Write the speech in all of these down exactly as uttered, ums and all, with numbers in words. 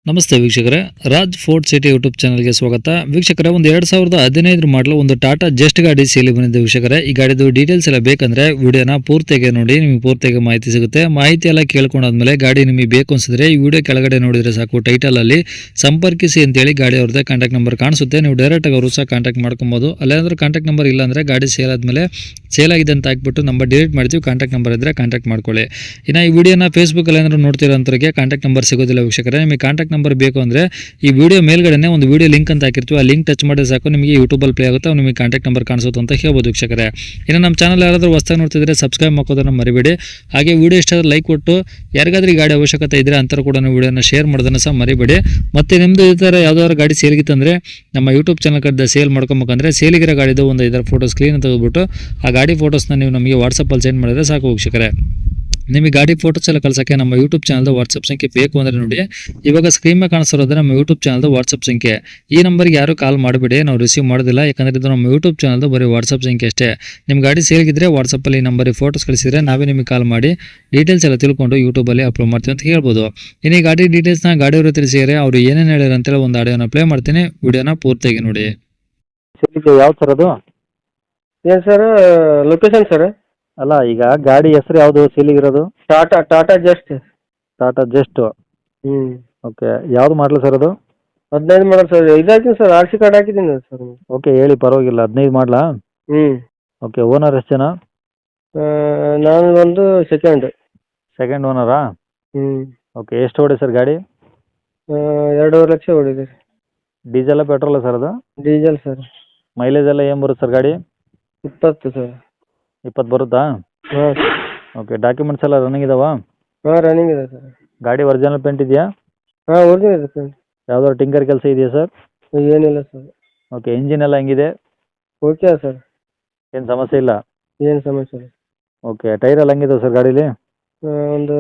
ನಮಸ್ತೆ ವೀಕ್ಷಕರೇ, Raj fort city YouTube ಚಾನಲ್ಗೆ ಸ್ವಾಗತ. ವೀಕ್ಷಕರೇ, ಒಂದು ಎರಡು ಸಾವಿರದ ಹದಿನೈದು ಮಾಡಲು ಒಂದು ಟಾಟಾ ಜಸ್ಟ್ ಗಾಡಿ ಸೇಲಿ ಬಂದಿದೆ ವೀಕ್ಷಕರೇ. ಈ ಗಾಡಿದು ಡೀಟೇಲ್ಸ್ ಎಲ್ಲ ಬೇಕಂದ್ರೆ ವಿಡಿಯೋನ ಪೂರ್ತಿಯಾಗಿ ನೋಡಿ, ನಿಮಗೆ ಪೂರ್ತಿಯಾಗಿ ಮಾಹಿತಿ ಸಿಗುತ್ತೆ. ಮಾಹಿತಿ ಎಲ್ಲ ಕೇಳ್ಕೊಂಡಾದ್ಮೇಲೆ ಗಾಡಿ ನಿಮಗೆ ಬೇಕು ಅನ್ಸಿದ್ರೆ ಈ ವಿಡಿಯೋ ಕೆಳಗಡೆ ನೋಡಿದ್ರೆ ಸಾಕು, ಟೈಟಲ್ ಅಲ್ಲಿ ಸಂಪರ್ಕಿಸಿ ಅಂತೇಳಿ ಗಾಡಿ ಅವ್ರದ್ದೇ ಕಾಂಟ್ಯಾಕ್ಟ್ ನಂಬರ್ ಕಾಣಿಸುತ್ತೆ. ನೀವು ಡೈರೆಕ್ಟ್ ಆಗಿ ಅವರು ಸಹ ಕಾಂಟ್ಯಾಕ್ಟ್ ಮಾಡ್ಕೊಬೋದು. ಅಲ್ಲೇನಾದ್ರೂ ಕಾಂಟ್ಯಾಕ್ಟ್ ನಂಬರ್ ಇಲ್ಲ ಅಂದ್ರೆ ಗಾಡಿ ಸೇಲ್ ಆದ್ಮೇಲೆ ಸೇಲ್ ಆಗಿದೆ ಅಂತ ಹಾಕ್ಬಿಟ್ಟು ನಂಬರ್ ಡಿಲೀಟ್ ಮಾಡ್ತೀವಿ. ಕಾಂಟ್ಯಾಕ್ಟ್ ನಂಬರ್ ಇದ್ರೆ ಕಾಂಟ್ಯಾಕ್ಟ್ ಮಾಡ್ಕೊಳ್ಳಿ. ಇನ್ನು ಈ ವಿಡಿಯೋನ ಫೇಸ್ಬುಕ್ ಅಲ್ಲಿ ಏನಾದ್ರು ನೋಡ್ತಿರೋ ಅಂತವರಿಗೆ ಕಾಂಟ್ಯಾಕ್ಟ್ ನಂಬರ್ ಸಿಗೋದಿಲ್ಲ ವೀಕ್ಷಕರೇ. ನಿಮಗೆ ಕಾಂಟ್ಯಾಕ್ಟ್ ನಂಬರ್ ಬೇಕು ಅಂದ್ರೆ ಈ ವಿಡಿಯೋ ಮೇಲ್ಗಡೆ ಒಂದು ವಿಡಿಯೋ ಲಿಂಕ್ ಅಂತ ಹಾಕಿರ್ತೀವಿ, ಆ ಲಿಂಕ್ ಟಚ್ ಮಾಡಿದ್ರೆ ಸಾಕು, ನಿಮಗೆ ಯೂಟ್ಯೂಬಲ್ಲಿ ಪ್ಲೇ ಆಗುತ್ತೆ, ನಿಮಗೆ ಕಾಂಟ್ಯಾಕ್ಟ್ ನಂಬರ್ ಕಾಣಿಸುತ್ತೆ ಅಂತ ಹೇಳ್ಬೋದು ವೀಕ್ಷಕರೇ. ಇನ್ನು ನಮ್ಮ ಚಾನಲ್ ಯಾರಾದರೂ ಹೊಸದಾಗಿ ನೋಡ್ತಿದ್ರೆ ಸಬ್ಸ್ಕ್ರೈಬ್ ಮಾಡೋದನ್ನ ಮರಿಬೇಡಿ. ಹಾಗೆ ವಿಡಿಯೋ ಇಷ್ಟ ಆದ್ರೆ ಲೈಕ್ ಕೊಟ್ಟು, ಯಾರಿಗಾದ್ರೂ ಈ ಗಾಡಿ ಅವಶ್ಯಕತೆ ಇದ್ರೆ ಅಂತರ ಕೂಡ ವಿಡಿಯೋನ ಶೇರ್ ಮಾಡೋದನ್ನ ಸಹ ಮರಿಬೇಡಿ. ಮತ್ತೆ ನಿಮ್ದು ಈ ಥರ ಯಾವ್ದಾದ್ರು ಗಾಡಿ ಸೇಲ್ಗಿತ್ತಂದ್ರೆ ನಮ್ಮ ಯೂಟ್ಯೂಬ್ ಚಾನಲ್ ಕಡೆ ಸೇಲ್ ಮಾಡ್ಕೊಬೇಕಂದ್ರೆ ಸೇಲಿಗಿರೋ ಗಾಡಿದು ಒಂದು ಐದಾರು ಫೋಟೋ ಸ್ಕ್ರೀನ್ ತೆಗೆದುಬಿಟ್ಟು ಆ ಗಾಡಿ ಫೋಟೋಸ್ನ ನೀವು ನಮಗೆ ವಾಟ್ಸಪ್ಪಲ್ಲಿ ಸೆಂಡ್ ಮಾಡಿದ್ರೆ ಸಾಕು ವೀಕ್ಷಕರೇ. ನಿಮಗೆ ಗಾಡಿ ಫೋಟೋಸ್ ಎಲ್ಲ ಕಳ್ಸೋಕ್ಕೆ ನಮ್ಮ ಯೂಟ್ಯೂಬ್ ಚಾನಲ್ದು ವಾಟ್ಸಪ್ ಸಂಖ್ಯೆ ಬೇಕು ಅಂದರೆ ನೋಡಿ, ಇವಾಗ ಸ್ಕ್ರೀನ್ ಮೇಲೆ ಕಾಣಿಸ್ತಿರೋದ್ರೆ ನಮ್ಮ ಯೂಟ್ಯೂಬ್ ಚಾನಲ್ದು ವಾಟ್ಸಪ್ ಸಂಖ್ಯೆ. ಈ ನಂಬರ್ಗೆ ಯಾರು ಕಾಲ್ ಮಾಡಿಬಿಡಿ, ನಾವು ರಿಸೀವ್ ಮಾಡೋದಿಲ್ಲ. ಯಾಕಂದರೆ ಇದು ನಮ್ಮ ಯೂಟ್ಯೂಬ್ ಚಾನಲ್ದು ಬರೀ ವಾಟ್ಸಪ್ ಸಂಖ್ಯೆ ಅಷ್ಟೇ. ನಿಮ್ಮ ಗಾಡಿ ಸೇಲ್ಗಿದ್ರೆ ವಾಟ್ಸಪ್ಪಲ್ಲಿ ಈ ನಂಬರಿಗೆ ಫೋಟೋಸ್ ಕಳಿಸಿದ್ರೆ ನಾವೇ ನಿಮಗೆ ಕಾಲ್ ಮಾಡಿ ಡೀಟೇಲ್ಸ್ ಎಲ್ಲ ತಿಳ್ಕೊಂಡು ಯೂಟ್ಯೂಬಲ್ಲಿ ಅಪ್ಲೋಡ್ ಮಾಡ್ತೀವಿ ಅಂತ ಹೇಳ್ಬೋದು. ಇನ್ನು ಈ ಗಾಡಿ ಡೀಟೇಲ್ಸ್ನ ಗಾಡಿಯವರು ತಿಳಿಸಿದರೆ ಅವರು ಏನೇನು ಹೇಳಿದ್ರು ಅಂತೇಳಿ ಒಂದು ಆಡಿಯೋನ ಪ್ಲೇ ಮಾಡ್ತೀನಿ, ವಿಡಿಯೋನ ಪೂರ್ತಿಯಾಗಿ ನೋಡಿ. ಯಾವ ಸರ್ ಅದು? ಏನು ಸರ್, ಲೊಕೇಶನ್ ಸರ್? ಅಲ್ಲ, ಈಗ ಗಾಡಿ ಹೆಸರು ಯಾವುದು ಸೇಲಿಗಿರೋದು? ಟಾಟಾ ಟಾಟಾ ಜಸ್ಟ್. ಟಾಟಾ ಜಸ್ಟ್. ಹ್ಞೂ. ಓಕೆ, ಯಾವುದು ಮಾಡಲು ಸರ್ ಅದು? ಹದಿನೈದು ಮಾಡಲ್ ಸರ್. ಇದಾಕಿನಿ ಸರ್, ಆರ್ ಸಿ ಕಾರ್ಡ್ ಹಾಕಿದ್ದೀನಿ ಸರ್. ಓಕೆ, ಹೇಳಿ ಪರವಾಗಿಲ್ಲ. ಹದಿನೈದು ಮಾಡಲಾ? ಹ್ಞೂ. ಓಕೆ, ಓನರ್ ಎಷ್ಟು ಜನ? ನಾನು ಒಂದು ಸೆಕೆಂಡ್. ಸೆಕೆಂಡ್ ಓನರಾ? ಹ್ಞೂ. ಓಕೆ, ಎಷ್ಟು ಓಡಿ ಸರ್ ಗಾಡಿ? ಎರಡೂವರೆ ಲಕ್ಷ ಹೊಡಿದೆ. ಡೀಸೆಲ್ಲ ಪೆಟ್ರೋಲ ಸರ್ ಅದು? Diesel sir. ಮೈಲೇಜ್ ಎಲ್ಲ ಏನು ಬರುತ್ತೆ ಸರ್ ಗಾಡಿ? ಇಪ್ಪತ್ತು ಸರ್. ಇಪ್ಪತ್ತು ಬರುತ್ತಾ? ಹಾಂ. ಓಕೆ, ಡಾಕ್ಯುಮೆಂಟ್ಸ್ ಎಲ್ಲ ರನ್ನಿಂಗ್ ಇದಾವಾ? ಹಾಂ, ರನ್ನಿಂಗ್ ಇದೆ ಸರ್. ಗಾಡಿ ಒರಿಜಿನಲ್ ಪೇಂಟ್ ಇದೆಯಾ? ಹಾಂ, ಒರಿಜಿನಲ್ ಇದೆ ಸರ್. ಯಾವ್ದಾದ್ರು ಟಿಂಕರ್ ಕೆಲಸ ಇದೆಯಾ ಸರ್? ಏನಿಲ್ಲ ಸರ್. ಓಕೆ, ಇಂಜಿನ್ ಎಲ್ಲ ಹೆಂಗಿದೆ? Okay sir. ಏನು ಸಮಸ್ಯೆ ಇಲ್ಲ? ಏನು ಸಮಸ್ಯೆ ಇಲ್ಲ. ಓಕೆ, ಟೈರ್ ಎಲ್ಲ ಹೆಂಗಿದಾವೆ ಸರ್ ಗಾಡೀಲಿ? ಒಂದು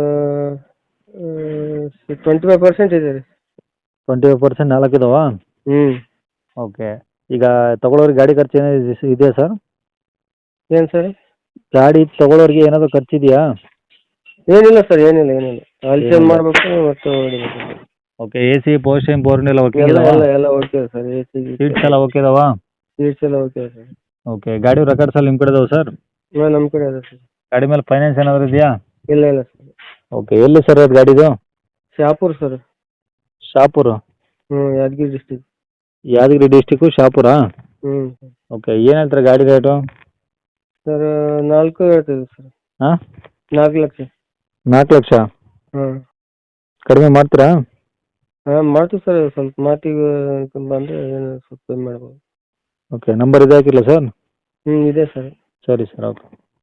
ಟ್ವೆಂಟಿ ಫೈವ್ ಪರ್ಸೆಂಟ್ ಇದೆ ರೀ. ಟ್ವೆಂಟಿ ಫೈವ್ ಪರ್ಸೆಂಟ್ ನಾಲ್ಕು ಇದಾವಾ? ಹ್ಞೂ. ಓಕೆ, ಈಗ ತಗೊಳ್ಳೋರಿಗೆ ಗಾಡಿ ಖರ್ಚು ಏನಾದ್ರು ಇದೆಯಾ ಸರ್? ಏನು ಸರ್? ಗಾಡಿ ತಗೊಳ್ಳೋರಿಗೆ ಏನಾದರೂ ಖರ್ಚಿದೆಯಾ? ಏನಿಲ್ಲ ಸರ್, ಏನಿಲ್ಲ ಏನಿಲ್ಲ. ಆಯಿಲ್ ಚೇಂಜ್ ಮಾಡಬೇಕು ಮತ್ತು ಹೊಡಿಬೇಕು. ಓಕೆ, ಎ ಸಿ ಪೋಸ್ಟಿಂಗ್ ಬೋರ್ನ್ ಎಲ್ಲ ಓಕೆ ಎಲ್ಲ ಇದಾವಾ? ಎಲ್ಲ ಎಲ್ಲ okay sir. A C seats ಎಲ್ಲ ಓಕೆ ಇದಾವಾ? ಸೀಟ್ಸ್ ಎಲ್ಲ ಓಕೆ ಸರ್. ಓಕೆ, ಗಾಡಿ ರೆಕಾರ್ಡ್ಸ್ ಎಲ್ಲ ನಿಮ್ಮ ಕಡೆ ಇದಾವೆ ಸರ್? ಹಾಂ, ನಮ್ಮ ಕಡೆ ಅದ ಸರ್. ಗಾಡಿ ಮೇಲೆ ಫೈನಾನ್ಸ್ ಏನಾದರೂ ಇದೆಯಾ? ಇಲ್ಲ ಇಲ್ಲ ಸರ್. ಓಕೆ, ಎಲ್ಲಿ ಸರ್ ಅದು ಗಾಡಿದು? ಶಾಪುರ್ ಸರ್. ಶಾಪುರ? ಹ್ಞೂ, ಯಾದಗಿರಿ ಡಿಸ್ಟಿಕ್. ಯಾದಗಿರಿ ಡಿಸ್ಟಿಕ್ಕು ಶಾಪುರಾ? ಹ್ಞೂ. ಓಕೆ, ಏನು ಹೇಳ್ತಾರೆ ಗಾಡಿ ರೇಟು? ಸರ್ ನಾಲ್ಕು ಹೇಳ್ತಿದ್ವಿ ಸರ್. ಹಾಂ, ನಾಲ್ಕು ಲಕ್ಷ. ನಾಲ್ಕು ಲಕ್ಷ? ಹಾಂ. ಕಡಿಮೆ ಮಾಡ್ತೀರಾ? ಹಾಂ, ಮಾಡ್ತೀವಿ ಸರ್. ಸ್ವಲ್ಪ ಮಾತಿಗೆ ಬಂದರೆ ಏನು ಸ್ವಲ್ಪ ಕಮ್ಮಿ ಮಾಡ್ಬೋದು. ಓಕೆ, ನಂಬರ್ ಇದೆ ಹಾಕಿಲ್ಲ ಸರ್? ಹ್ಞೂ, ಇದೆ ಸರ್. ಸರಿ ಸರ್, ಓಕೆ.